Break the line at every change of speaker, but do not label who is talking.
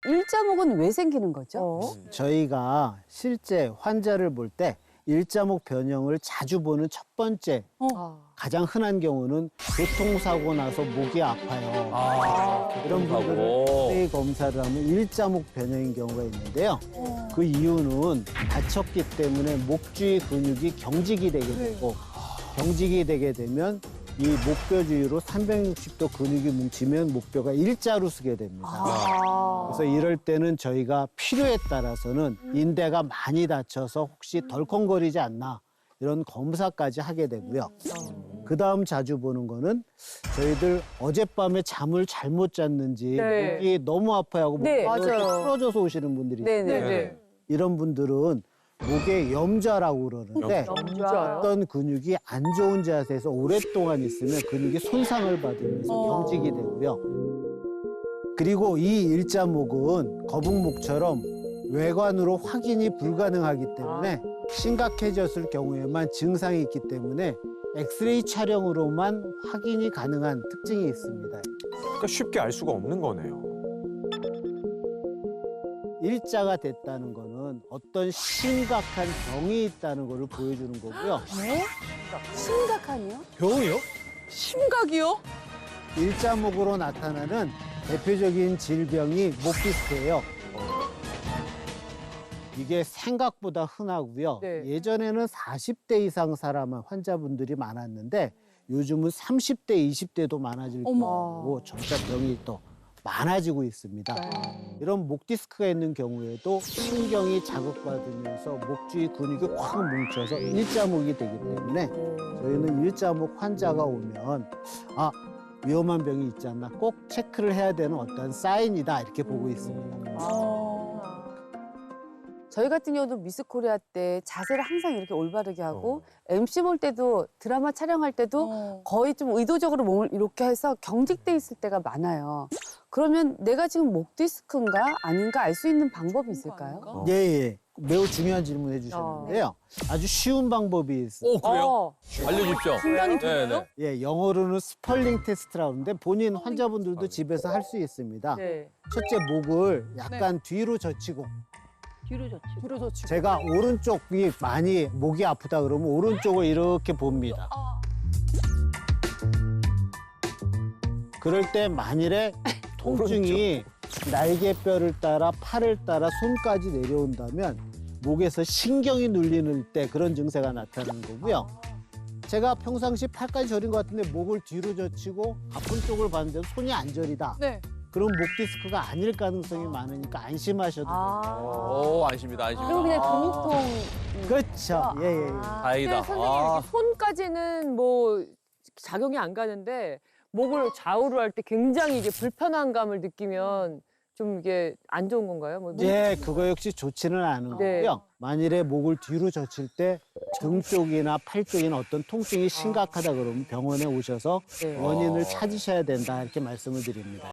일자목은 왜 생기는 거죠?
저희가 실제 환자를 볼 때 일자목 변형을 자주 보는 첫 번째 가장 흔한 경우는 교통사고 나서 목이 아파요. 이런 분들은 엑스레이 검사를 하면 일자목 변형인 경우가 있는데요. 그 이유는 다쳤기 때문에 목 주위 근육이 경직이 되게 되고 경직이 되게 되면 이 목뼈 주위로 360도 근육이 뭉치면 목뼈가 일자로 쓰게 됩니다. 그래서 이럴 때는 저희가 필요에 따라서는 인대가 많이 다쳐서 혹시 덜컹거리지 않나 이런 검사까지 하게 되고요. 그다음 자주 보는 거는 저희들 어젯밤에 잠을 잘못 잤는지
네.
목이 너무 아파하고 목이
네,
풀어져서 오시는 분들이 있어요.
네네.
이런 분들은 목에 염좌라고 그러는데
염좌요?
어떤 근육이 안 좋은 자세에서 오랫동안 있으면 근육이 손상을 받으면서 경직이 되고요. 그리고 이 일자목은 거북목처럼 외관으로 확인이 불가능하기 때문에 심각해졌을 경우에만 증상이 있기 때문에 엑스레이 촬영으로만 확인이 가능한 특징이 있습니다.
그러니까 쉽게 알 수가 없는 거네요.
일자가 됐다는 거는 어떤 심각한 병이 있다는 것을 보여주는 거고요.
네? 심각하니요?
병이요?
심각이요?
일자목으로 나타나는 대표적인 질병이 목디스크예요. 이게 생각보다 흔하고요.
네.
예전에는 40대 이상 사람 환자분들이 많았는데 요즘은 30대, 20대도 많아질 경우고 점차 병이 또 많아지고 있습니다. 이런 목 디스크가 있는 경우에도 신경이 자극받으면서 목 주위 근육이 확 뭉쳐서 일자목이 되기 때문에 저희는 일자목 환자가 오면 위험한 병이 있지 않나 꼭 체크를 해야 되는 어떤 사인이다 이렇게 보고 있습니다.
저희 같은 경우도 미스 코리아 때 자세를 항상 이렇게 올바르게 하고 MC 볼 때도 드라마 촬영할 때도 거의 좀 의도적으로 몸을 이렇게 해서 경직돼 있을 때가 많아요. 그러면 내가 지금 목 디스크인가 아닌가 알 수 있는 방법이 있을까요?
예. 매우 중요한 질문 해주셨는데요. 아주 쉬운 방법이 있어요.
그래요? 알려주십시오.
심장이
네,
돌아요?
예, 영어로는 스펄링 테스트라고 하는데 본인 환자분들도 집에서 할 수 있습니다.
네.
첫째, 목을 약간 뒤로 젖히고
뒤로 젖히고.
제가 오른쪽이 많이 목이 아프다 그러면 오른쪽을 이렇게 봅니다. 그럴 때 만일에 통증이 날개뼈를 따라 팔을 따라 손까지 내려온다면 목에서 신경이 눌리는 때 그런 증세가 나타나는 거고요. 제가 평상시 팔까지 저린 것 같은데 목을 뒤로 젖히고 아픈 쪽을 봤는데 손이 안 저리다.
네.
그럼 목 디스크가 아닐 가능성이 많으니까 안심하셔도 돼요.
오, 안심이다, 안심이다.
그럼 그냥 근육통.
그렇죠. 예.
다행이다.
근데 선생님 이렇게 손까지는 뭐 작용이 안 가는데 목을 좌우로 할 때 굉장히 이게 불편한 감을 느끼면 좀 이게 안 좋은 건가요? 뭐
예, 그거 역시 좋지는 않은
네.
거고요. 만일에 목을 뒤로 젖힐 때 등 쪽이나 팔 쪽이나 어떤 통증이 심각하다 그러면 병원에 오셔서
네.
원인을 찾으셔야 된다 이렇게 말씀을 드립니다.